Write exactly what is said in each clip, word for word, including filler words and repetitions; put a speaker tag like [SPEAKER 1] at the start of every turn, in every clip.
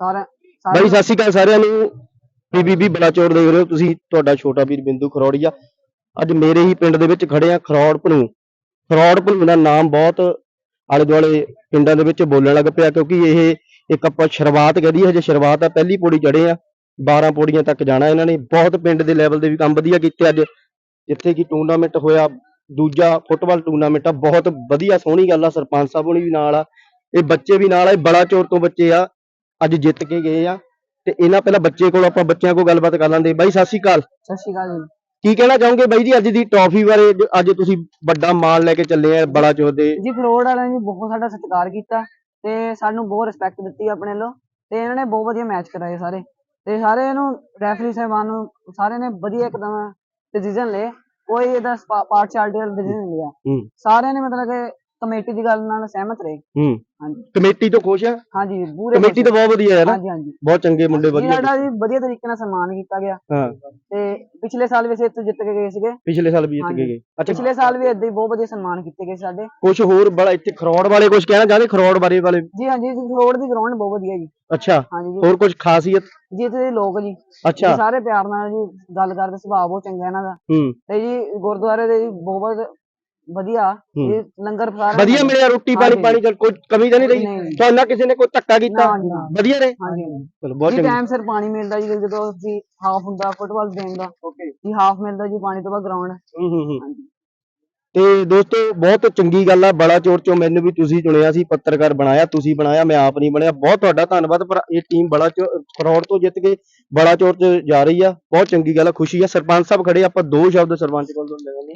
[SPEAKER 1] ਸਾਰਾ
[SPEAKER 2] ਬਾਈ ਸਤਿ ਸ਼੍ਰੀ ਅਕਾਲ ਸਾਰਿਆਂ ਨੂੰ। ਪੀਬੀਬੀ ਬਲਾਚੌਰ ਦੇਖ ਰਹੇ ਹੋ ਤੁਸੀਂ, ਤੁਹਾਡਾ ਛੋਟਾ ਵੀਰ ਬਿੰਦੂ ਖਰੋੜੀਆ। ਅੱਜ ਮੇਰੇ ਹੀ ਪਿੰਡ ਦੇ ਵਿੱਚ ਖੜੇ ਆ, ਖਰੋੜ ਭਨੂ। ਖਰੋੜ ਭਨੂ ਦਾ ਨਾਮ ਬਹੁਤ ਆਲੇ ਦੁਆਲੇ ਪਿੰਡਾਂ ਦੇ ਵਿੱਚ ਬੋਲਣ ਲੱਗ ਪਿਆ, ਕਿਉਂਕਿ ਇਹ ਇੱਕ ਆਪਾਂ ਸ਼ੁਰੂਆਤ ਕਰੀਏ, ਹਜੇ ਸ਼ੁਰੂਆਤ ਆ, ਪਹਿਲੀ ਪੌੜੀ ਚੜੇ ਆ, ਬਾਰਾਂ ਪੌੜੀਆਂ ਤੱਕ ਜਾਣਾ ਇਹਨਾਂ ਨੇ। ਬਹੁਤ ਪਿੰਡ ਦੇ ਲੈਵਲ ਦੇ ਵੀ ਕੰਮ ਵਧੀਆ ਕੀਤੇ ਅੱਜ, ਜਿੱਥੇ ਕਿ ਟੂਰਨਾਮੈਂਟ ਹੋਇਆ, ਦੂਜਾ ਫੁੱਟਬਾਲ ਟੂਰਨਾਮੈਂਟ ਆ, ਬਹੁਤ ਵਧੀਆ ਸੋਹਣੀ ਗੱਲ ਆ। ਸਰਪੰਚ ਸਾਹਿਬ ਹੋਣੀ ਵੀ ਨਾਲ ਆ, ਇਹ ਬੱਚੇ ਵੀ ਨਾਲ ਆ, ਇਹ ਬਲਾਚੌਰ ਤੋਂ ਬੱਚੇ ਆ, ਅੱਜ ਜਿੱਤ ਕੇ ਗਏ ਆ। ਤੇ ਇਹਨਾਂ ਪਹਿਲਾਂ ਬੱਚੇ ਕੋਲ ਆਪਾਂ ਬੱਚਿਆਂ ਕੋਲ ਗੱਲਬਾਤ ਕਰ ਲਾਂਦੇ। ਬਾਈ ਸਤਿ ਸ਼੍ਰੀ ਅਕਾਲ।
[SPEAKER 1] ਸਤਿ ਸ਼੍ਰੀ ਅਕਾਲ ਜੀ।
[SPEAKER 2] ਕੀ ਕਹਿਣਾ ਚਾਹੋਗੇ ਬਾਈ ਜੀ ਅੱਜ ਦੀ ਟਰਾਫੀ ਬਾਰੇ, ਜੋ ਅੱਜ ਤੁਸੀਂ ਵੱਡਾ ਮਾਣ ਲੈ ਕੇ ਚੱਲੇ ਆ ਬਲਾਚੌਰ ਦੇ?
[SPEAKER 1] ਜੀ ਖਰੋੜ ਵਾਲਿਆਂ ਨੇ ਬਹੁਤ ਸਾਡਾ ਸਤਿਕਾਰ ਕੀਤਾ ਤੇ ਸਾਨੂੰ ਬਹੁਤ ਰਿਸਪੈਕਟ ਦਿੱਤੀ ਆਪਣੇ ਵੱਲੋਂ, ਤੇ ਇਹਨਾਂ ਨੇ ਬਹੁਤ ਵਧੀਆ ਮੈਚ ਕਰਾਏ ਸਾਰੇ, ਤੇ ਸਾਰੇ ਇਹਨੂੰ ਰੈਫਰੀ ਸਾਹਿਬਾਨ ਨੂੰ ਸਾਰੇ ਨੇ ਵਧੀਆ ਇੱਕਦਮ ਡਿਸੀਜਨ ਲਏ, ਕੋਈ ਇਹਦਾ ਪਾਰਸ਼ੈਲਿਟੀ ਵਾਲਾ ਡਿਸੀਜਨ ਨਹੀਂ ਲਿਆ। ਸਾਰਿਆਂ ਨੇ ਮਤਲਬ ਕਿ ਕਮੇਟੀ ਦੀ ਗੱਲ ਨਾਲ ਸਹਿਮਤ ਰਹੇ।
[SPEAKER 2] ਹੂੰ
[SPEAKER 1] ਹਾਂਜੀ,
[SPEAKER 2] ਕਮੇਟੀ ਤੋਂ ਖੁਸ਼ ਆ?
[SPEAKER 1] ਹਾਂਜੀ ਪੂਰੇ
[SPEAKER 2] ਕਮੇਟੀ ਤਾਂ ਬਹੁਤ ਵਧੀਆ ਹੈ ਨਾ।
[SPEAKER 1] ਹਾਂਜੀ ਹਾਂਜੀ,
[SPEAKER 2] ਬਹੁਤ ਚੰਗੇ ਮੁੰਡੇ, ਵਧੀਆ
[SPEAKER 1] ਸਾਡਾ ਜੀ ਵਧੀਆ ਤਰੀਕੇ ਨਾਲ ਸਨਮਾਨ ਕੀਤਾ ਗਿਆ।
[SPEAKER 2] ਹਾਂ,
[SPEAKER 1] ਤੇ ਪਿਛਲੇ ਸਾਲ ਵੀ ਅਸੀਂ ਇੱਥੇ ਜਿੱਤ ਕੇ ਗਏ ਸੀਗੇ।
[SPEAKER 2] ਪਿਛਲੇ ਸਾਲ ਵੀ ਜਿੱਤ ਕੇ ਗਏ? ਅੱਛਾ,
[SPEAKER 1] ਪਿਛਲੇ ਸਾਲ ਵੀ ਏਦਾਂ ਹੀ ਬਹੁਤ ਵਧੀਆ ਸਨਮਾਨ ਕੀਤੇ ਗਏ ਸਾਡੇ।
[SPEAKER 2] ਕੁਝ ਹੋਰ ਬੜਾ ਇੱਥੇ ਖਰੋੜ ਵਾਲੇ ਕੁਝ ਕਹਿਣਾ ਚਾਹੁੰਦੇ? ਖਰੋੜ ਬਾਰੇ ਵਾਲੇ?
[SPEAKER 1] ਜੀ ਹਾਂਜੀ, ਖਰੋੜ ਦੀ ਗਰਾਊਂਡ ਬਹੁਤ ਵਧੀਆ ਜੀ।
[SPEAKER 2] ਅੱਛਾ,
[SPEAKER 1] ਹਾਂਜੀ,
[SPEAKER 2] ਹੋਰ ਕੁਝ ਖਾਸੀਅਤ?
[SPEAKER 1] ਜੀ ਇੱਥੇ ਦੇ ਲੋਕ ਜੀ,
[SPEAKER 2] ਅੱਛਾ,
[SPEAKER 1] ਸਾਰੇ ਪਿਆਰ ਨਾਲ ਜੀ ਗੱਲ ਕਰਦੇ, ਸੁਭਾਅ ਬਹੁਤ ਚੰਗਾ ਇਹਨਾਂ ਦਾ।
[SPEAKER 2] ਹੂੰ,
[SPEAKER 1] ਤੇ ਜੀ ਗੁਰਦੁਆਰੇ ਦੇ ਜੀ ਬਹੁਤ ਵਧੀਆ, ਇਹ ਲੰਗਰ
[SPEAKER 2] ਵਧੀਆ ਮਿਲਿਆ, ਰੋਟੀ ਪਾਣੀ ਪਾਣੀ ਚੱਲ ਕੋਈ ਕਮੀ ਤਾਂ ਨਹੀਂ ਰਹੀ ਤੁਹਾਨੂੰ? ਕਿਸੇ ਨੇ ਕੋਈ ਧੱਕਾ ਕੀਤਾ? ਵਧੀਆ ਰਹੇ?
[SPEAKER 1] ਹਾਂਜੀ
[SPEAKER 2] ਚਲੋ ਬਹੁਤ
[SPEAKER 1] ਚੰਗਾ। ਟਾਈਮ ਸਿਰ ਪਾਣੀ ਮਿਲਦਾ ਜੀ, ਜਦੋਂ ਅਸੀਂ ਹਾਫ ਹੁੰਦਾ ਫੁੱਟਬਾਲ ਦੇਣ ਦਾ, ਓਕੇ ਜੀ, ਹਾਫ ਮਿਲਦਾ ਜੀ ਪਾਣੀ ਤੋਂ ਬਾਅਦ ਗਰਾਊਂਡ।
[SPEAKER 2] ਹੂੰ ਹੂੰ ਹੂੰ। ਤੇ ਦੋਸਤੋ ਬਹੁਤ ਚੰਗੀ ਗੱਲ ਆ, ਬਲਾਚੌਰ ਚੋਂ ਮੈਨੂੰ ਵੀ ਤੁਸੀਂ ਚੁਣਿਆ ਸੀ, ਪੱਤਰਕਾਰ ਬਣਾਇਆ, ਤੁਸੀਂ ਬਣਾਇਆ, ਮੈਂ ਆਪ ਨਹੀਂ ਬਣਿਆ। ਬਹੁਤ ਤੁਹਾਡਾ ਧੰਨਵਾਦ। ਪਰ ਇਹ ਟੀਮ ਬਲਾਚੌਰ ਖਰੋੜ ਤੋਂ ਜਿੱਤ ਕੇ ਬਲਾਚੌਰ ਚ ਜਾ ਰਹੀ ਆ, ਬਹੁਤ ਚੰਗੀ ਗੱਲ ਆ, ਖੁਸ਼ੀ ਆ। ਸਰਪੰਚ ਸਾਹਿਬ ਖੜੇ, ਆਪਾਂ ਦੋ ਸ਼ਬਦ ਸਰਪੰਚ ਕੋਲ ਲੈ ਲੈਂਦੇ ਆ।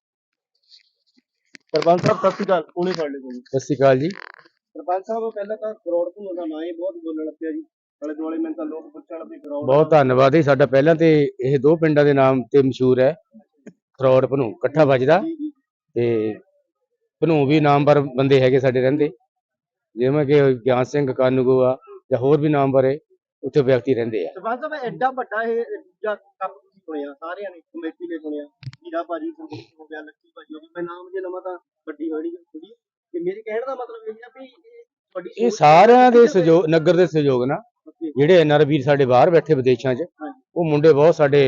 [SPEAKER 2] ਸਰਪੰਚ ਸਾਹਿਬ ਸਤਿ ਸ਼੍ਰੀ ਅਕਾਲ। ਕੋਲੇ ਫੜ ਲਿਓ।
[SPEAKER 3] ਸਤਿ ਸ਼੍ਰੀ ਅਕਾਲ ਜੀ।
[SPEAKER 2] ਸਰਪੰਚ ਸਾਹਿਬ ਪਹਿਲਾਂ ਤਾਂ ਖਰੋੜ ਭਨੂ ਦਾ ਨਾਂ ਹੀ ਬਹੁਤ ਬੋਲਣ ਲੱਗ ਪਿਆ ਜੀ, ਆਲੇ ਦੁਆਲੇ ਮੈਨੂੰ ਤਾਂ ਲੋਕ ਪੁੱਛਣ ਵੀ ਖਰੋੜ।
[SPEAKER 3] ਬਹੁਤ ਧੰਨਵਾਦ ਜੀ, ਸਾਡਾ ਪਹਿਲਾਂ ਤੇ ਇਹ ਦੋ ਪਿੰਡਾਂ ਦੇ ਨਾਮ ਤੇ ਮਸ਼ਹੂਰ ਹੈ, ਖਰੋੜ ਭਨੂ ਇਕੱਠਾ ਵੱਜਦਾ। ਤੇ ਭਨੂ ਵੀ ਨਾਮਵਰ ਬੰਦੇ ਹੈਗੇ ਸਾਡੇ ਰਹਿੰਦੇ, ਜਿਵੇਂ ਕਿ ਗਿਆਨ ਸਿੰਘ ਕਾਨੂੰਗੋ ਆ ਜਾਂ ਹੋਰ ਵੀ ਨਾਮਵਰ ਹੈ, ਉੱਥੇ ਵਿਅਕਤੀ ਰਹਿੰਦੇ ਆ।
[SPEAKER 2] ਸਰਪੰਚ ਸਾਹਿਬ ਐਡਾ ਵੱਡਾ ਇਹ ਕੱਪ ਤੁਸੀਂ ਸੁਣਿਆ, ਸਾਰਿਆਂ ਨੇ ਕਮੇਟੀ ਨੇ ਸੁਣਿਆ, ਹੀਰਾ ਭਾਜੀ ਹੋ ਗਿਆ, ਲੱਕੀ ਭਾਜੀ ਹੋ ਗਿਆ, ਮੈਂ ਨਾਮ ਜੇ ਲਵਾਂ ਤਾਂ ਵੱਡੀ ਹੋਣੀ ਥੋੜੀ। ਤੇ ਮੇਰੇ ਕਹਿਣ ਦਾ ਮਤਲਬ ਇਹ ਆ ਵੀ ਤੁਹਾਡੀ
[SPEAKER 3] ਇਹ ਸਾਰਿਆਂ ਦੇ ਸਹਿਯੋਗ, ਨਗਰ ਦੇ ਸਹਿਯੋਗ ਨਾਲ, ਜਿਹੜੇ ਐਨ ਆਰ ਵੀਰ ਸਾਡੇ ਬਾਹਰ ਬੈਠੇ ਵਿਦੇਸ਼ਾਂ 'ਚ, ਉਹ ਮੁੰਡੇ ਬਹੁਤ ਸਾਡੇ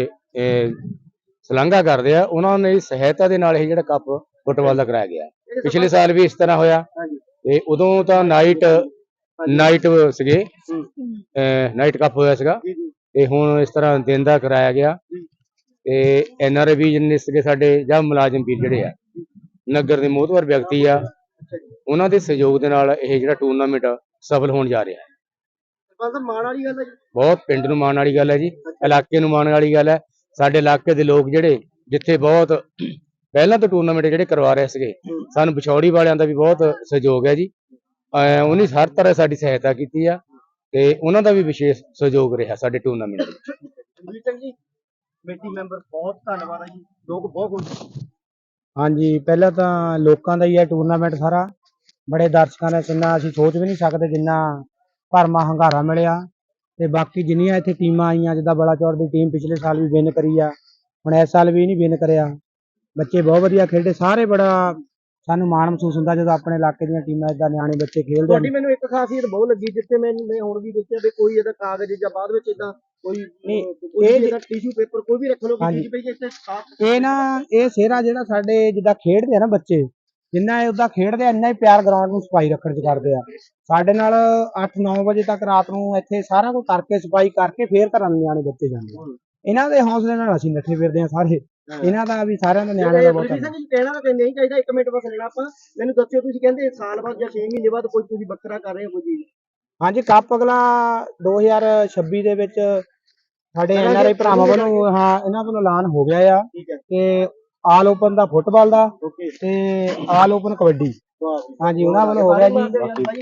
[SPEAKER 3] ਸ਼ਲਾਘਾ ਕਰਦੇ ਆ, ਉਹਨਾਂ ਨੇ ਸਹਾਇਤਾ ਦੇ ਨਾਲ ਇਹ ਜਿਹੜਾ ਕੱਪ ਫੁੱਟਬਾਲ ਦਾ ਕਰਾਇਆ ਗਿਆ। ਪਿਛਲੇ ਸਾਲ ਵੀ ਇਸ ਤਰ੍ਹਾਂ ਹੋਇਆ, ਤੇ ਉਦੋਂ ਤਾਂ ਨਾਈਟ ਨਾਈਟ ਸੀਗੇ, ਨਾਈਟ ਕੱਪ ਹੋਇਆ ਸੀਗਾ, ਤੇ ਹੁਣ ਇਸ ਤਰ੍ਹਾਂ ਦਿਨ ਦਾ ਕਰਾਇਆ ਗਿਆ। ਤੇ ਐਨ ਆਰ ਵੀ ਜਿੰਨੇ ਸੀਗੇ ਸਾਡੇ ਜਾਂ ਮੁਲਾਜ਼ਮ ਵੀਰ ਜਿਹੜੇ ਆ, ਨਗਰ ਦੇ ਮੋਹਤਵਰ ਵਿਅਕਤੀ ਆ, ਉਹਨਾਂ ਦੇ ਸਹਿਯੋਗ ਦੇ ਨਾਲ ਇਹ ਜਿਹੜਾ ਟੂਰਨਾਮੈਂਟ ਸਫਲ ਹੋਣ ਜਾ ਰਿਹਾ ਹੈ।
[SPEAKER 2] ਮਾਣ ਵਾਲੀ ਗੱਲ ਹੈ ਜੀ,
[SPEAKER 3] ਬਹੁਤ ਪਿੰਡ ਨੂੰ ਮਾਣ ਵਾਲੀ ਗੱਲ ਹੈ ਜੀ, ਇਲਾਕੇ ਨੂੰ ਮਾਣ ਵਾਲੀ ਗੱਲ ਹੈ। ਸਾਡੇ ਇਲਾਕੇ ਦੇ ਲੋਕ ਜਿਹੜੇ ਜਿੱਥੇ ਬਹੁਤ ਪਹਿਲਾਂ ਤੋਂ ਟੂਰਨਾਮੈਂਟ ਜਿਹੜੇ ਕਰਵਾ ਰਹੇ ਸੀਗੇ, ਸਾਨੂੰ ਵਿਛੌੜੀ ਵਾਲਿਆਂ ਦਾ ਵੀ ਬਹੁਤ ਸਹਿਯੋਗ ਹੈ ਜੀ, ਉਹਨੇ ਹਰ ਤਰ੍ਹਾਂ ਸਾਡੀ ਸਹਾਇਤਾ ਕੀਤੀ ਆ, ਤੇ ਉਹਨਾਂ ਦਾ ਵੀ ਵਿਸ਼ੇਸ਼ ਸਹਿਯੋਗ ਰਿਹਾ ਸਾਡੇ ਟੂਰਨਾਮੈਂਟ ਵਿੱਚ।
[SPEAKER 2] ਜੀ ਕਮੇਟੀ ਮੈਂਬਰ ਬਹੁਤ ਧੰਨਵਾਦ ਹੈ ਜੀ, ਲੋਕ ਬਹੁਤ ਖੁਸ਼।
[SPEAKER 4] ਹਾਂਜੀ, ਪਹਿਲਾਂ ਤਾਂ ਲੋਕਾਂ ਦਾ ਹੀ ਹੈ ਟੂਰਨਾਮੈਂਟ ਸਾਰਾ, ਬੜੇ ਦਰਸ਼ਕਾਂ ਨੇ, ਜਿੰਨਾ ਅਸੀਂ ਸੋਚ ਵੀ ਨਹੀਂ ਸਕਦੇ ਜਿੰਨਾ ਭਰਮਾ ਹੰਗਾਰਾ ਮਿਲਿਆ। ਤੇ ਬਾਕੀ ਜਿੰਨੀਆਂ ਇੱਥੇ ਟੀਮਾਂ ਆਈਆਂ, ਜਿੱਦਾਂ ਬਲਾਚੌਰ ਦੀ ਟੀਮ ਪਿਛਲੇ ਸਾਲ ਵੀ ਵਿਨ ਕਰੀ ਆ, ਹੁਣ ਇਸ ਸਾਲ ਵੀ ਨਹੀਂ ਵਿਨ ਕਰਿਆ, ਬੱਚੇ ਬਹੁਤ ਵਧੀਆ ਖੇਡੇ ਸਾਰੇ। ਬੜਾ ਸਾਨੂੰ ਮਾਣ ਮਹਿਸੂਸ ਹੁੰਦਾ ਜਦੋਂ ਆਪਣੇ ਇਲਾਕੇ ਦੀਆਂ ਟੀਮਾਂ ਏਦਾਂ ਨਿਆਣੇ ਬੱਚੇ ਖੇਡਦੇ।
[SPEAKER 2] ਤੁਹਾਡੀ ਮੈਨੂੰ ਇੱਕ ਖਾਸੀਅਤ ਬਹੁਤ ਲੱਗੀ, ਜਿੱਥੇ ਮੈਨੂੰ ਮੈਂ ਹੁਣ ਵੀ ਦੇਖਿਆ ਵੀ ਕੋਈ ਇਹਦਾ ਕਾਗਜ਼ ਜਾਂ ਬਾਅਦ ਵਿੱਚ ਏਦਾਂ ਕੋਈ ਇਹ ਟਿਸ਼ੂ ਪੇਪਰ ਕੋਈ ਵੀ ਰੱਖ ਲਓ ਕਿ ਪਈ ਇੱਥੇ।
[SPEAKER 4] ਇਹ ਨਾ ਇਹ ਸਿਹਰਾ ਜਿਹੜਾ ਸਾਡੇ ਜਿੱਦਾਂ ਖੇਡਦੇ ਆ ਨਾ ਬੱਚੇ, ਜਿੰਨਾ ਇਹ ਉਦਾਂ ਖੇਡਦੇ ਆ, ਇੰਨਾ ਹੀ ਪਿਆਰ ਗਰਾਊਂਡ ਨੂੰ ਸਫਾਈ ਰੱਖਣ ਚ ਕਰਦੇ ਆ। ਸਾਡੇ ਨਾਲ ਅੱਠ ਨੌ ਵਜੇ ਤੱਕ ਰਾਤ ਨੂੰ ਇੱਥੇ ਸਾਰਾ ਕੁਝ ਕਰਕੇ ਸਫਾਈ ਕਰਕੇ ਫੇਰ ਘਰਾਂ ਨੂੰ ਨਿਆਣੇ ਬੱਚੇ ਜਾਂਦੇ। ਇਹਨਾਂ ਦੇ ਹੌਸਲੇ ਨਾਲ ਅਸੀਂ ਨੱਠੇ ਫਿਰਦੇ ਆ ਸਾਰੇ, ਇਹਨਾਂ ਦਾ ਵੀ ਸਾਰਿਆਂ ਦਾ ਨਿਆਣਿਆਂ ਦਾ ਬਹੁਤ
[SPEAKER 2] ਕਹਿਣਾ ਤਾਂ ਨਹੀਂ ਚਾਹੀਦਾ। ਇੱਕ ਮਿੰਟ ਬਸ ਲੈਣਾ ਆਪਾਂ, ਮੈਨੂੰ ਦੱਸਿਓ ਤੁਸੀਂ ਕਹਿੰਦੇ ਸਾਲ ਬਾਅਦ ਜਾਂ ਛੇ ਮਹੀਨੇ ਬਾਅਦ ਕੋਈ ਤੁਸੀਂ ਵੱਖਰਾ ਕਰ ਰਹੇ ਹੋ ਕੋਈ ਚੀਜ਼?
[SPEAKER 4] ਹਾਂਜੀ, ਕੱਪ ਅਗਲਾ ਦੋ ਹਜ਼ਾਰ ਛੱਬੀ ਦੇ ਵਿੱਚ ਸਾਡੇ ਐਨ ਆਰ ਆਈ ਭਰਾਵਾਂ ਵੱਲੋਂ, ਹਾਂ ਇਹਨਾਂ ਵੱਲੋਂ ਐਲਾਨ ਹੋ ਗਿਆ ਆ ਕਿ ਆਲ ਓਪਨ ਦਾ ਫੁੱਟਬਾਲ ਦਾ ਤੇ ਆਲ ਓਪਨ ਕਬੱਡੀ, ਹਾਂਜੀ ਉਹਨਾਂ ਵੱਲੋਂ ਹੋ ਗਿਆ ਜੀ।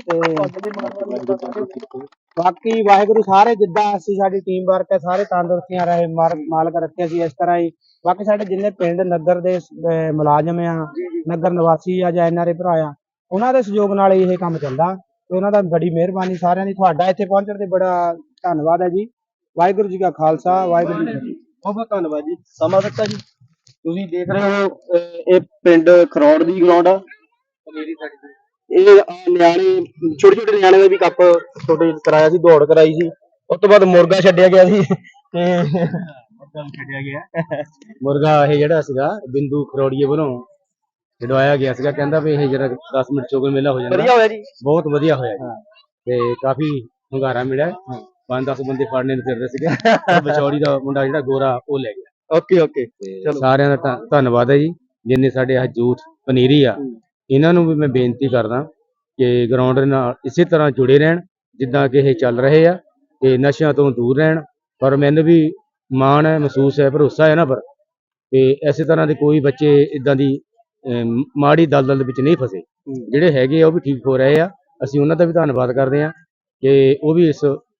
[SPEAKER 4] ਬਾਕੀ ਵਾਹਿਗੁਰੂ ਸਾਰੇ ਜਿੱਦਾਂ ਅਸੀਂ ਸਾਡੀ ਟੀਮ ਵਰਕ ਹੈ, ਸਾਰੇ ਤੰਦਰੁਸਤੀਆਂ ਰਹੇ ਮਾਲਕ ਰੱਖੇ ਸੀ ਇਸ ਤਰ੍ਹਾਂ ਹੀ। ਬਾਕੀ ਸਾਡੇ ਜਿੰਨੇ ਪਿੰਡ ਨਗਰ ਦੇ ਮੁਲਾਜ਼ਮ ਆ, ਨਗਰ ਨਿਵਾਸੀ ਆ ਜਾਂ ਐਨ ਆਰ ਆਈ ਭਰਾ ਆ, ਉਹਨਾਂ ਦੇ ਸਹਿਯੋਗ ਨਾਲ ਇਹ ਕੰਮ ਚੱਲਦਾ, ਤੇ ਉਹਨਾਂ ਦਾ ਬੜੀ ਮਿਹਰਬਾਨੀ ਸਾਰਿਆਂ ਦੀ। ਤੁਹਾਡਾ ਇੱਥੇ ਪਹੁੰਚਣ ਤੇ ਬੜਾ ਧੰਨਵਾਦ ਹੈ ਜੀ। ਵਾਹਿਗੁਰੂ ਜੀ ਕਾ ਖਾਲਸਾ, ਵਾਹਿਗੁਰੂ ਜੀ ਕੀ ਫਤਿਹ।
[SPEAKER 2] ਬਹੁਤ ਬਹੁਤ ਧੰਨਵਾਦ ਜੀ, ਸਮਾਂ ਦਿੱਤਾ ਜੀ। ਤੁਸੀਂ ਦੇਖ ਰਹੇ ਹੋ ਇਹ ਪਿੰਡ ਖਰੋੜ ਦੀ ਗਰਾਊਂਡ ਆ, ਇਹ ਆਹ ਨਿਆਣੇ ਛੋਟੇ ਛੋਟੇ ਨਿਆਣੇ ਦਾ ਵੀ ਕੱਪ ਛੋਟੇ ਕਰਾਇਆ ਸੀ, ਦੌੜ ਕਰਾਈ ਸੀ। ਉਸ ਤੋਂ ਬਾਅਦ ਮੁਰਗਾ ਛੱਡਿਆ ਗਿਆ ਸੀ ਤੇ
[SPEAKER 3] ਮੁਰਗਾ ਛੱਡਿਆ ਗਿਆ ਮੁਰਗਾ ਇਹ ਜਿਹੜਾ ਸੀਗਾ ਬਿੰਦੂ ਖਰੋੜੀਏ ਵੱਲੋਂ ਛਡਵਾਇਆ ਗਿਆ ਸੀਗਾ, ਕਹਿੰਦਾ ਵੀ ਇਹ ਜਿਹੜਾ ਦਸ ਮਿੰਟ ਚੋਗਲ ਮੇਲਾ ਹੋ ਜਾਂਦਾ।
[SPEAKER 2] ਵਧੀਆ ਹੋਇਆ ਜੀ।
[SPEAKER 3] ਬਹੁਤ ਵਧੀਆ ਹੋਇਆ ਜੀ ਤੇ ਕਾਫੀ ਹੁੰਗਾਰਾ ਮਿਲਿਆ। ਪੰਜ ਦਸ ਬੰਦੇ ਫੜਨੇ ਨੂੰ ਫਿਰਦੇ ਸੀਗੇ ਤੇ ਬਚੌੜੀ ਦਾ ਮੁੰਡਾ ਜਿਹੜਾ ਗੋਰਾ ਉਹ ਲੈ ਗਿਆ।
[SPEAKER 2] ਓਕੇ ਓਕੇ
[SPEAKER 3] ਤੇ ਸਾਰਿਆਂ ਦਾ ਧੰਨ- ਧੰਨਵਾਦ ਹੈ ਜੀ, ਜਿੰਨੇ ਸਾਡੇ ਆ ਯੂਥ ਪਨੀਰੀ ਆ, ਇਹਨਾਂ ਨੂੰ ਵੀ ਮੈਂ ਬੇਨਤੀ ਕਰਦਾ ਕਿ ਗਰਾਊਂਡ ਦੇ ਨਾਲ ਇਸੇ ਤਰ੍ਹਾਂ ਜੁੜੇ ਰਹਿਣ ਜਿੱਦਾਂ ਕਿ ਇਹ ਚੱਲ ਰਹੇ ਆ ਤੇ ਨਸ਼ਿਆਂ ਤੋਂ ਦੂਰ ਰਹਿਣ। ਪਰ ਮੈਨੂੰ ਵੀ ਮਾਣ ਹੈ, ਮਹਿਸੂਸ ਹੈ, ਭਰੋਸਾ ਹੈ ਨਾ ਪਰ ਤੇ ਇਸੇ ਤਰ੍ਹਾਂ ਦੇ ਕੋਈ ਬੱਚੇ ਇਦਾਂ ਦੀ ਅਮ, ਮਾੜੀ ਦਲਦਲ ਦੇ ਵਿੱਚ ਨਹੀਂ ਫਸੇ। ਜਿਹੜੇ ਹੈਗੇ ਆ ਉਹ ਵੀ ਠੀਕ ਹੋ ਰਹੇ ਆ। ਅਸੀਂ ਉਹਨਾਂ ਦਾ ਵੀ ਧੰਨਵਾਦ ਕਰਦੇ ਹਾਂ ਕਿ ਉਹ ਵੀ ਇਸ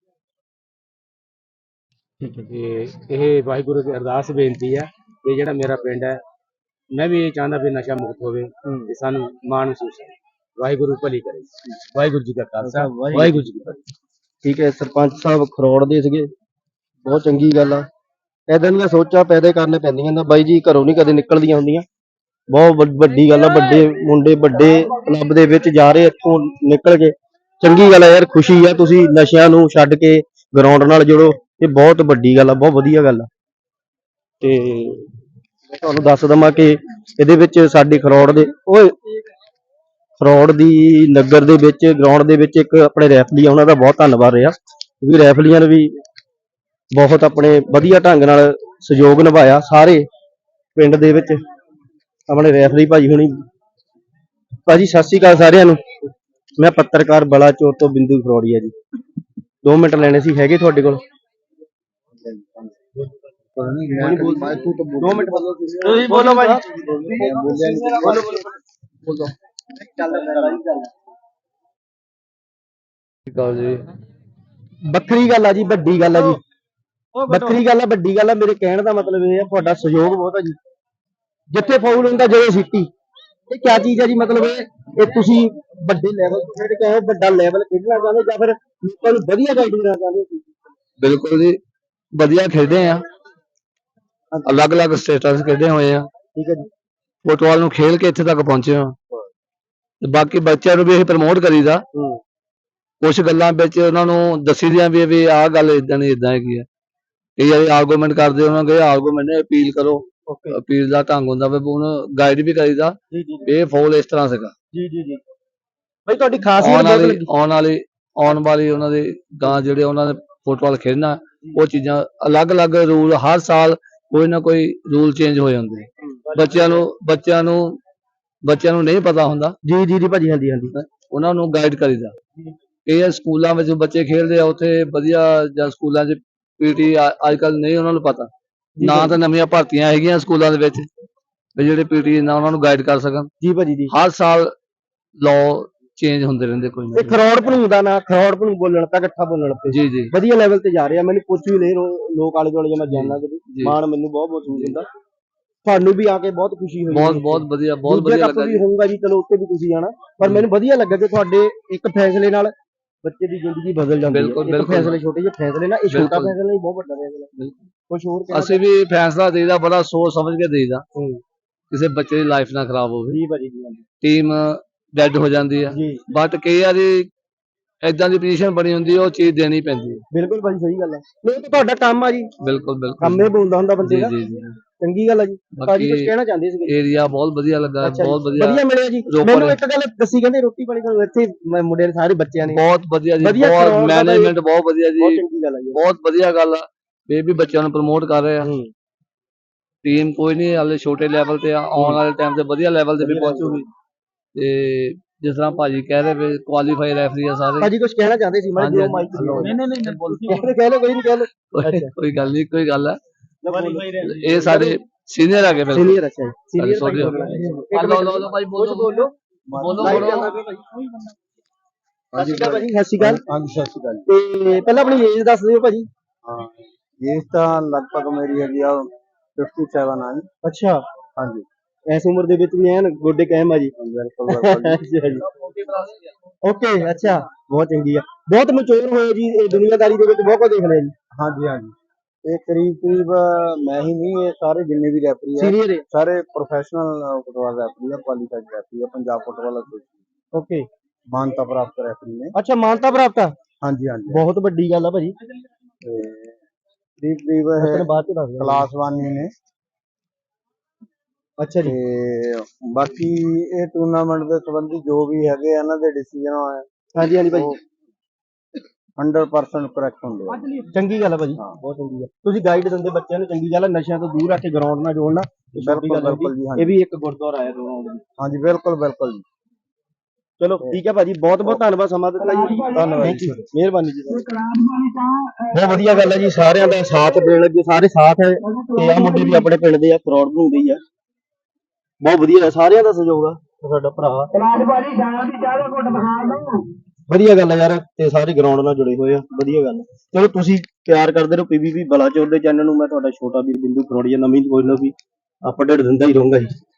[SPEAKER 3] ਤੇ ਇਹ ਵਾਹਿਗੁਰੂ ਦੀ ਅਰਦਾਸ ਬੇਨਤੀ ਹੈ ਕਿ ਜਿਹੜਾ ਮੇਰਾ ਪਿੰਡ ਹੈ, ਮੈਂ ਵੀ ਇਹ ਚਾਹੁੰਦਾ ਵੀ ਨਸ਼ਾ ਮੁਕਤ ਹੋਵੇ ਤੇ ਸਾਨੂੰ ਮਾਣ ਮਹਿਸੂਸ ਹੈ। ਵਾਹਿਗੁਰੂ ਭਲੀ ਕਰੇ। ਵਾਹਿਗੁਰੂ ਜੀ ਕਾ ਖਾਲਸਾ, ਵਾਹਿਗੁਰੂ ਜੀ ਕੀ ਫਤਿਹ।
[SPEAKER 2] ਠੀਕ ਹੈ, ਸਰਪੰਚ ਸਾਹਿਬ ਖਰੋੜ ਦੇ ਸੀਗੇ, ਬਹੁਤ ਚੰਗੀ ਗੱਲ ਆ। ਏਦਾਂ ਦੀਆਂ ਸੋਚਾਂ ਪੈਦਾ ਕਰਨੇ ਪੈਂਦੀਆਂ ਨਾ ਬਾਈ ਜੀ, ਘਰੋਂ ਨਹੀਂ ਕਦੇ ਨਿਕਲਦੀਆਂ ਹੁੰਦੀਆਂ। ਬਹੁਤ ਵੱਡ- ਵੱਡੀ ਗੱਲ ਆ, ਵੱਡੇ ਮੁੰਡੇ ਵੱਡੇ ਕਲੱਬ ਦੇ ਵਿੱਚ ਜਾ ਰਹੇ ਇੱਥੋਂ ਨਿਕਲ ਕੇ। ਚੰਗੀ ਗੱਲ ਆ ਯਾਰ, ਖੁਸ਼ੀ ਆ। ਤੁਸੀਂ ਨਸ਼ਿਆਂ ਨੂੰ ਛੱਡ ਕੇ ਗਰਾਊਂਡ ਨਾਲ ਜੁੜੋ, ਇਹ ਬਹੁਤ ਵੱਡੀ ਗੱਲ ਆ, ਬਹੁਤ ਵਧੀਆ ਗੱਲ ਆ। ਤੇ ਮੈਂ ਤੁਹਾਨੂੰ ਦੱਸ ਦਵਾਂ ਕਿ ਇਹਦੇ ਵਿੱਚ ਸਾਡੇ ਖਰੋੜ ਦੇ ਓਏ ਖਰੋੜ ਦੀ ਨਗਰ ਦੇ ਵਿੱਚ ਗਰਾਊਂਡ ਦੇ ਵਿੱਚ ਇੱਕ ਆਪਣੇ ਰੈਫਲੀ ਆ, ਉਹਨਾਂ ਦਾ ਬਹੁਤ ਧੰਨਵਾਦ ਰਿਹਾ ਕਿਉਂਕਿ ਰੈਫਲੀਆਂ ਨੇ ਵੀ ਬਹੁਤ ਆਪਣੇ ਵਧੀਆ ਢੰਗ ਨਾਲ ਸਹਿਯੋਗ ਨਿਭਾਇਆ। ਸਾਰੇ ਪਿੰਡ ਦੇ ਵਿੱਚ ਆਪਣੇ ਰੈਫਰੀ ਭਾਜੀ ਹੁਣੀ। ਭਾਜੀ ਸਤਿ ਸ਼੍ਰੀ ਅਕਾਲ ਸਾਰਿਆਂ ਨੂੰ। ਮੈਂ ਪੱਤਰਕਾਰ ਬਲਾਚੌਰ ਤੋਂ ਬਿੰਦੂ ਖਰੋੜੀਆ ਜੀ। ਦੋ ਮਿੰਟ ਲੈਣੇ ਸੀ, ਹੈਗੇ ਤੁਹਾਡੇ ਕੋਲ? ਦੋ ਮਿੰਟ ਬੋਲੋ, ਤੁਸੀਂ ਬੋਲੋ ਭਾਜੀ। ਬੋਲੋ ਬੋਲੋ
[SPEAKER 3] ਜੀ
[SPEAKER 2] ਵੱਖਰੀ ਗੱਲ ਆ ਜੀ, ਵੱਡੀ ਗੱਲ ਆ ਜੀ, ਵੱਖਰੀ ਗੱਲ ਆ, ਵੱਡੀ ਗੱਲ ਆ। ਮੇਰੇ ਕਹਿਣ ਦਾ ਮਤਲਬ ਇਹ ਆ, ਤੁਹਾਡਾ ਸਹਿਯੋਗ ਬਹੁਤ ਆ ਜੀ। ਜਿੱਥੇ ਫਾਉਲ ਹੁੰਦਾ ਜਦੋਂ ਸਿੱਟੀ, ਇਹ ਕਿਆ ਚੀਜ਼ ਆ ਜੀ? ਮਤਲਬ ਇਹ ਇਹ ਤੁਸੀਂ ਵੱਡੇ ਲੈਵਲ ਤੇ ਖੇਡ ਕੇ ਆਏ ਹੋ, ਵੱਡਾ ਲੈਵਲ ਖੇਡਣਾ ਚਾਹੁੰਦੇ ਜਾਂ ਫਿਰ ਲੋਕਾਂ ਨੂੰ ਵਧੀਆ ਗਾਈਡ ਕਰਨਾ ਚਾਹੁੰਦੇ ਹੋ?
[SPEAKER 3] ਬਿਲਕੁਲ ਜੀ, ਵਧੀਆ ਖੇਡੇ ਆ, ਅਲੱਗ-ਅਲੱਗ ਸਟੇਟਾਂ 'ਚ ਖੇਡੇ ਹੋਏ ਆ।
[SPEAKER 2] ਠੀਕ ਹੈ ਜੀ।
[SPEAKER 3] ਫੁੱਟਬਾਲ ਨੂੰ ਖੇਲ ਕੇ ਇੱਥੇ ਤੱਕ ਪਹੁੰਚੇ ਆ ਤੇ ਬਾਕੀ ਬੱਚਿਆਂ ਨੂੰ ਵੀ ਇਹ ਪ੍ਰਮੋਟ ਕਰੀਦਾ।
[SPEAKER 2] ਹੂੰ
[SPEAKER 3] ਕੁਝ ਗੱਲਾਂ ਵਿੱਚ ਉਹਨਾਂ ਨੂੰ ਦੱਸੀ ਦੀਆਂ ਵੀ ਵੀ ਆਹ ਗੱਲ ਇਦਾਂ ਨਹੀਂ ਇਦਾਂ ਹੈਗੀ ਆ। ਕਈ ਵਾਰੀ ਆਰਗੂਮੈਂਟ ਕਰਦੇ, ਉਹਨਾਂ ਨੂੰ ਕਹੇ ਆਰਗੂਮੈਂਟ ਨੇ ਅਪੀਲ ਕਰੋ।
[SPEAKER 2] ਓਕੇ
[SPEAKER 3] ਅਪੀਲ ਦਾ ਢੰਗ ਹੁੰਦਾ ਵੀ ਉਹਨੂੰ ਗਾਈਡ ਵੀ ਕਰੀਦਾ
[SPEAKER 2] ਜੀ ਜੀ
[SPEAKER 3] ਇਹ ਫੌਲ ਇਸ ਤਰ੍ਹਾਂ ਸੀਗਾ।
[SPEAKER 2] ਜੀ ਜੀ ਜੀ ਭਾਈ ਤੁਹਾਡੀ ਖਾਸੀਅਤ
[SPEAKER 3] ਆਉਣ
[SPEAKER 2] ਬਹੁਤ
[SPEAKER 3] ਵਾਲੀ
[SPEAKER 2] ਲੱਗੀ।
[SPEAKER 3] ਆਉਣ ਵਾਲੀ ਆਉਣ ਵਾਲੀ ਉਹਨਾਂ ਦੇ ਗਾਂ ਜਿਹੜੇ ਉਹਨਾਂ ਨੇ ਫੁੱਟਬਾਲ ਖੇਡਣਾ, ਉਹ ਚੀਜ਼ਾਂ ਅਲੱਗ-ਅਲੱਗ ਰੂਲ ਹਰ ਸਾਲ ਕੋਈ ਨਾ ਕੋਈ ਰੂਲ ਚੇਂਜ ਹੋ ਜਾਂਦੇ। ਬੱਚਿਆਂ ਨੂੰ ਬੱਚਿਆਂ ਨੂੰ ਬੱਚਿਆਂ ਨੂੰ ਨਹੀਂ ਪਤਾ ਹੁੰਦਾ,
[SPEAKER 2] ਜੀ ਜੀ ਜੀ ਭਾਜੀ, ਹਾਂਜੀ ਹਾਂਜੀ।
[SPEAKER 3] ਉਹਨਾਂ ਨੂੰ ਗਾਈਡ ਕਰੀਦਾ। ਇਹ ਸਕੂਲਾਂ ਵਿੱਚ ਬੱਚੇ ਖੇਡਦੇ ਆ, ਉੱਥੇ ਵਧੀਆ ਜਾਂ ਸਕੂਲਾਂ 'ਚ ਪੀਟੀ ਅੱਜ ਕੱਲ ਨਹੀਂ ਉਹਨਾਂ ਨੂੰ ਪਤਾ। ਨਾ ਤਾਂ ਨਵੀਆਂ ਭਰਤੀਆਂ ਹੈਗੀਆਂ ਸਕੂਲਾਂ ਦੇ ਵਿੱਚ ਵੀ ਜਿਹੜੇ ਪੀਟੀ ਨਾ ਉਹਨਾਂ ਨੂੰ ਗਾਈਡ ਕਰ ਸਕਣ।
[SPEAKER 2] ਜੀ ਭਾਜੀ ਜੀ।
[SPEAKER 3] ਹਰ ਸਾਲ ਲਾਅ ਚੇਂਜ ਹੁੰਦੇ ਰਹਿੰਦੇ ਕੋਈ ਨਾ
[SPEAKER 2] ਇਹ ਖਰੋੜ ਭਣੂ ਦਾ ਨਾ, ਖਰੋੜ ਭਣੂ ਬੋਲਣ ਤਾਂ ਇਕੱਠਾ ਬੋਲਣ ਤੇ
[SPEAKER 3] ਜੀ ਜੀ
[SPEAKER 2] ਵਧੀਆ ਲੈਵਲ ਤੇ ਜਾ ਰਿਹਾ। ਮੈਨੂੰ ਪੁੱਛ ਵੀ ਲੈ ਰੋ- ਲੋਕ ਆਲੇ ਦੁਆਲੇ ਜੇ ਮੈਂ ਜਾਣਦਾ ਕਿਤੇ,
[SPEAKER 3] ਜੀ।
[SPEAKER 2] ਮਾਣ ਮੈਨੂੰ ਬਹੁਤ ਮਹਿਸੂਸ ਹੁੰਦਾ। ਤੁਹਾਨੂੰ ਵੀ ਆ ਕੇ ਬਹੁਤ ਖੁਸ਼ੀ ਹੋਈ।
[SPEAKER 3] ਬਹੁਤ ਬਹੁਤ ਵਧੀਆ ਬਹੁਤ
[SPEAKER 2] ਦੂਜੇ
[SPEAKER 3] ਵਧੀਆ
[SPEAKER 2] ਕੱਪ
[SPEAKER 3] ਲੱਗਾ
[SPEAKER 2] ਵੀ
[SPEAKER 3] ਜੀ।
[SPEAKER 2] ਹੋਊਗਾ ਜੀ, ਚਲੋ ਉੱਤੇ ਵੀ ਤੁਸੀਂ ਜਾਣਾ, ਪਰ ਮੈਨੂੰ ਵਧੀਆ ਲੱਗਾ ਕਿ ਤੁਹਾਡੇ ਇੱਕ ਫੈਸਲੇ ਨਾਲ ਬੱਚੇ ਦੀ ਜ਼ਿੰਦਗੀ ਬਦਲ ਜਾਂਦੀ ਹੈ।
[SPEAKER 3] ਬਿਲਕੁਲ,
[SPEAKER 2] ਇੱਕ
[SPEAKER 3] ਬਿਲਕੁਲ।
[SPEAKER 2] ਫੈਸਲੇ, ਛੋਟੇ ਜਿਹੇ ਫੈਸਲੇ ਨਾਲ, ਇਹ ਛੋਟਾ
[SPEAKER 3] ਬਿਲਕੁਲ।
[SPEAKER 2] ਫੈਸਲਾ ਨਹੀਂ, ਬਹੁਤ ਵੱਡਾ ਫੈਸਲਾ।
[SPEAKER 3] ਬਿਲਕੁਲ।
[SPEAKER 2] ਕੁਝ ਹੋਰ ਕਹਿਣਾ
[SPEAKER 3] ਅਸੀਂ ਵੀ ਫੈਸਲਾ ਦੇਈਦਾ, ਬੜਾ ਸੋਚ ਸਮਝ ਕੇ ਦੇਈਦਾ,
[SPEAKER 2] ਹੂੰ
[SPEAKER 3] ਕਿਸੇ ਬੱਚੇ ਦੀ ਲਾਈਫ ਨਾ ਖਰਾਬ ਹੋਵੇ।
[SPEAKER 2] ਜੀ ਭਾਜੀ ਜੀ, ਹਾਂਜੀ।
[SPEAKER 3] ਟੀਮ ਡੈਡ ਹੋ ਜਾਂਦੀ ਆ,
[SPEAKER 2] ਜੀ
[SPEAKER 3] ਬਟ ਕਈ ਵਾਰੀ ਏਦਾਂ ਦੀ ਪੋਜੀਸ਼ਨ ਬਣੀ ਹੁੰਦੀ ਹੈ, ਉਹ ਚੀਜ਼ ਦੇਣੀ ਪੈਂਦੀ ਹੈ।
[SPEAKER 2] ਬਿਲਕੁਲ ਭਾਜੀ, ਸਹੀ ਗੱਲ ਹੈ। ਨਹੀਂ ਤਾਂ ਤੁਹਾਡਾ ਕੰਮ ਆ ਜੀ,
[SPEAKER 3] ਬਿਲਕੁਲ ਬਿਲਕੁਲ
[SPEAKER 2] ਕੰਮ ਇਹ ਬੋਲਦਾ ਹੁੰਦਾ ਬੰਦੇ
[SPEAKER 3] ਜੀ
[SPEAKER 2] ਦਾ।
[SPEAKER 3] ਜੀ ਜੀ
[SPEAKER 2] ਚੰਗੀ ਗੱਲ ਆ ਜੀ। ਭਾਜੀ ਕੁਝ
[SPEAKER 3] ਬਾਕੀ
[SPEAKER 2] ਕਹਿਣਾ ਚਾਹੁੰਦੇ ਸੀਗੇ?
[SPEAKER 3] ਏਰੀਆ ਬਹੁਤ ਵਧੀਆ ਲੱਗਾ,
[SPEAKER 2] ਅੱਛਾ ਜੀ,
[SPEAKER 3] ਬਹੁਤ ਵਧੀਆ
[SPEAKER 2] ਵਧੀਆ ਮਿਲਿਆ ਜੀ।
[SPEAKER 3] ਰੋਪੜ
[SPEAKER 2] ਮੈਨੂੰ ਇੱਕ ਗੱਲ ਦੱਸੀ, ਕਹਿੰਦੇ ਰੋਟੀ ਪਾਣੀ ਤੁਹਾਨੂੰ ਇੱਥੇ ਮ- ਮੁੰਡੇ ਨੇ ਸਾਰੇ ਬੱਚਿਆਂ ਨੇ
[SPEAKER 3] ਬਹੁਤ ਵਧੀਆ ਜੀ,
[SPEAKER 2] ਵਧੀਆ
[SPEAKER 3] ਬਹੁਤ
[SPEAKER 2] ਕਰਵਾਉਣ ਦਾ ਤਾਂ
[SPEAKER 3] ਮੈਨੇਜਮੈਂਟ ਬਹੁਤ ਵਧੀਆ
[SPEAKER 2] ਬਹੁਤ
[SPEAKER 3] ਜੀ,
[SPEAKER 2] ਚੰਗੀ ਗੱਲ ਆ ਜੀ।
[SPEAKER 3] ਬਹੁਤ ਵਧੀਆ ਗੱਲ ਆ। ਇਹ ਵੀ ਬੱਚਿਆਂ ਨੂੰ ਪ੍ਰਮੋਟ ਕਰ ਰਹੇ ਆ।
[SPEAKER 2] ਹੂੰ
[SPEAKER 3] ਟੀਮ ਕੋਈ ਨਹੀਂ ਹਾਲੇ ਛੋਟੇ ਲੈਵਲ ਤੇ ਆ, ਆਉਣ ਵਾਲੇ ਟਾਈਮ ਤੇ ਵਧੀਆ ਲੈਵਲ ਤੇ ਵੀ
[SPEAKER 2] ਵਧੀਆ
[SPEAKER 3] ਪਹੁੰਚੂਗੀ। ਤੇ ਜਿਸ ਤਰ੍ਹਾਂ ਭਾਜੀ ਕਹਿ ਰਹੇ ਵੀ ਕੁਆਲੀਫਾਈ ਰੈਫਰੀ ਆ ਸਾਰੇ।
[SPEAKER 2] ਭਾਜੀ ਕੁਝ ਕਹਿਣਾ ਚਾਹੁੰਦੇ ਸੀ? ਮੈਂ
[SPEAKER 3] ਹਾਂਜੀ,
[SPEAKER 2] ਜੋ ਮਾਈਕ
[SPEAKER 3] ਹਾਂਜੀ।
[SPEAKER 2] ਨਹੀਂ
[SPEAKER 3] ਨਹੀਂ, ਨਹੀਂ, ਨਹੀਂ, ਬੋਲੋ।
[SPEAKER 2] ਕਹਿ ਲਓ, ਕੋਈ ਨਹੀਂ ਕਹਿ ਲਓ।
[SPEAKER 3] ਕੋਈ- ਕੋਈ ਗੱਲ ਨਹੀਂ, ਕੋਈ ਗੱਲ ਹੈ। ਇਹ ਸਾਡੇ ਸੀਨੀਅਰ ਆ ਗਏ ਬਿਲਕੁਲ।
[SPEAKER 2] ਸੀਨੀਅਰ, ਅੱਛਾ ਜੀ, ਸੀਨੀਅਰ
[SPEAKER 3] sorry,
[SPEAKER 2] ਭਾਈ
[SPEAKER 3] sorry।
[SPEAKER 2] ਬੋਲਣਾ ਹੈ।
[SPEAKER 3] ਆ ਲਓ, ਲਓ, ਲਓ ਭਾਈ, ਬੋਲੋ,
[SPEAKER 2] ਬੋਲੋ
[SPEAKER 3] ਬੋਲੋ,
[SPEAKER 2] ਲਾਈਵ
[SPEAKER 3] ਬੋਲੋ।
[SPEAKER 2] ਚੱਲਦਾ ਪਿਆ ਭਾਈ। ਸਤਿ ਸ਼੍ਰੀ ਅਕਾਲ ਭਾਜੀ। ਸਤਿ ਸ਼੍ਰੀ ਅਕਾਲ।
[SPEAKER 5] ਹਾਂਜੀ ਸਤਿ ਸ਼੍ਰੀ ਅਕਾਲ।
[SPEAKER 2] ਤੇ ਪਹਿਲਾਂ ਆਪਣੀ ਏਜ ਦੱਸ ਦਿਓ ਭਾਜੀ।
[SPEAKER 5] ਹਾਂ ਏਜ ਤਾਂ ਲਗਭਗ ਮੇਰੀ ਹੈਗੀ ਆ ਸੱਤਰ ਆ ਜੀ।
[SPEAKER 2] ਅੱਛਾ,
[SPEAKER 5] ਹਾਂਜੀ
[SPEAKER 2] ਇਸ ਉਮਰ ਦੇ ਵਿੱਚ ਵੀ ਐਨ ਗੋਡੇ ਕਾਇਮ ਆ ਜੀ।
[SPEAKER 5] ਬਿਲਕੁਲ ਬਿਲਕੁਲ ਜੀ।
[SPEAKER 2] ਅੱਛਾ ਜੀ, ਓਕੇ, ਅੱਛਾ, ਬਹੁਤ ਚੰਗੀ ਆ। ਬਹੁਤ ਮੈਚੁਰ ਹੋਏ ਜੀ, ਇਹ ਦੁਨੀਆਦਾਰੀ ਦੇ ਵਿੱਚ ਬਹੁਤ ਕੁਝ ਦੇਖ ਲਿਆ ਜੀ।
[SPEAKER 5] ਹਾਂਜੀ ਹਾਂਜੀ ਇਹ ਕਰੀਬ ਕਰੀਬ ਮੈਂ ਹੀ ਨਹੀਂ, ਇਹ ਸਾਰੇ ਜਿੰਨੇ ਵੀ ਰੈਫਰੀ ਆ
[SPEAKER 2] ਸੀਨੀਅਰ
[SPEAKER 5] ਸਾਰੇ ਪ੍ਰੋਫੈਸ਼ਨਲ ਫੁੱਟਬਾਲ ਰੈਫਰੀ ਆ, ਕੁਆਲੀਫਾਈਡ ਰੈਫਰੀ ਆ ਪੰਜਾਬ ਫੁੱਟਬਾਲ ਐਸੋਸੀਏਸ਼ਨ।
[SPEAKER 2] ਓਕੇ,
[SPEAKER 5] ਮਾਨਤਾ ਪ੍ਰਾਪਤ ਰੈਫਰੀ ਨੇ।
[SPEAKER 2] ਅੱਛਾ ਮਾਨਤਾ ਪ੍ਰਾਪਤ ਆ,
[SPEAKER 5] ਹਾਂਜੀ ਹਾਂਜੀ
[SPEAKER 2] ਬਹੁਤ ਵੱਡੀ ਗੱਲ ਆ ਭਾਜੀ।
[SPEAKER 5] ਤੇ ਕਰੀਬ ਕਰੀਬ
[SPEAKER 2] ਮੈਂ
[SPEAKER 5] ਇਹ
[SPEAKER 2] ਤੈਨੂੰ ਬਾਅਦ ਚ ਦੱਸ ਦਿੰਦਾ।
[SPEAKER 5] ਕਲਾਸ ਵਨ ਹੀ ਨੇ।
[SPEAKER 2] ਅੱਛਾ ਜੀ।
[SPEAKER 5] ਤੇ ਬਾਕੀ ਇਹ ਟੂਰਨਾਮੈਂਟ ਦੇ ਸੰਬੰਧੀ ਜੋ ਵੀ ਹੈਗੇ ਆ ਇਹਨਾਂ ਦੇ ਡਿਸੀਜਨ ਆ
[SPEAKER 2] ਹਾਂਜੀ ਹਾਂਜੀ ਭਾਜੀ,
[SPEAKER 5] ਹੰਡਰਡ ਪਰਸੈਂਟ ਕਰੈਕਟ ਹੁੰਦੇ ਆ।
[SPEAKER 2] ਚੰਗੀ ਗੱਲ ਆ ਭਾਜੀ, ਬਹੁਤ ਚੰਗੀ ਆ। ਤੁਸੀਂ ਗਾਈਡ ਦਿੰਦੇ ਬੱਚਿਆਂ ਨੂੰ, ਚੰਗੀ ਗੱਲ ਆ। ਨਸ਼ਿਆਂ ਤੋਂ ਦੂਰ ਰੱਖ ਕੇ ਗਰਾਊਂਡ ਨਾਲ ਜੋੜਨਾ ਇਹ ਛੋਟੀ
[SPEAKER 5] ਬਿਲਕੁਲ
[SPEAKER 2] ਗੱਲ ਹੁੰਦੀ।
[SPEAKER 5] ਬਿਲਕੁਲ ਜੀ,
[SPEAKER 2] ਇਹ
[SPEAKER 5] ਹਾਂਜੀ
[SPEAKER 2] ਵੀ ਇੱਕ ਗੁਰਦੁਆਰਾ ਆਇਆ ਦੋਵਾਂ।
[SPEAKER 5] ਹਾਂਜੀ ਬਿਲਕੁਲ ਬਿਲਕੁਲ ਜੀ।
[SPEAKER 2] ਚਲੋ ਠੀਕ ਹੈ ਭਾਜੀ, ਬਹੁਤ ਬਹੁਤ ਧੰਨਵਾਦ ਸਮਾਂ ਦਿੱਤਾ ਜੀ।
[SPEAKER 5] ਧੰਨਵਾਦ
[SPEAKER 2] Thank
[SPEAKER 5] ਜੀ।
[SPEAKER 2] you, ਮਿਹਰਬਾਨੀ ਜੀ। ਬਹੁਤ ਵਧੀਆ ਗੱਲ ਹੈ ਜੀ, ਸਾਰਿਆਂ ਦਾ ਸਾਥ ਦੇਣ ਲੱਗੇ, ਸਾਰੇ ਸਾਥ ਹੈ। ਤੇ ਆ ਮੁੰਡੇ ਵੀ ਆਪਣੇ ਪਿੰਡ ਦੇ ਆ, ਫਰੌਡ ਬਣਾਉਂਦੇ ਹੀ ਆ। ਬਹੁਤ ਵਧੀਆ, ਸਾਰਿਆਂ ਦਾ ਸਹਿਯੋਗ ਆ। ਸਾਡਾ ਭਰਾ ਵਧੀਆ ਗੱਲ ਹੈ ਯਾਰ, ਤੇ ਸਾਰੇ ਗਰਾਊਂਡ ਨਾਲ ਜੁੜੇ ਹੋਏ ਆ, ਵਧੀਆ ਗੱਲ ਹੈ। ਚਲੋ ਤੁਸੀਂ ਪਿਆਰ ਕਰਦੇ ਰਹੋ ਪੀਬੀਬੀ ਬਲਾਚੌਰ ਦੇ ਚੈਨਲ ਨੂੰ। ਮੈਂ ਤੁਹਾਡਾ ਛੋਟਾ ਵੀਰ ਬਿੰਦੂ ਖਰੋੜੀਆ, ਨਵੀਂ ਕੋਈ ਨਾ ਵੀ ਅਪਡੇਟ ਦਿੰਦਾ ਹੀ ਰਹੂੰਗਾ ਜੀ।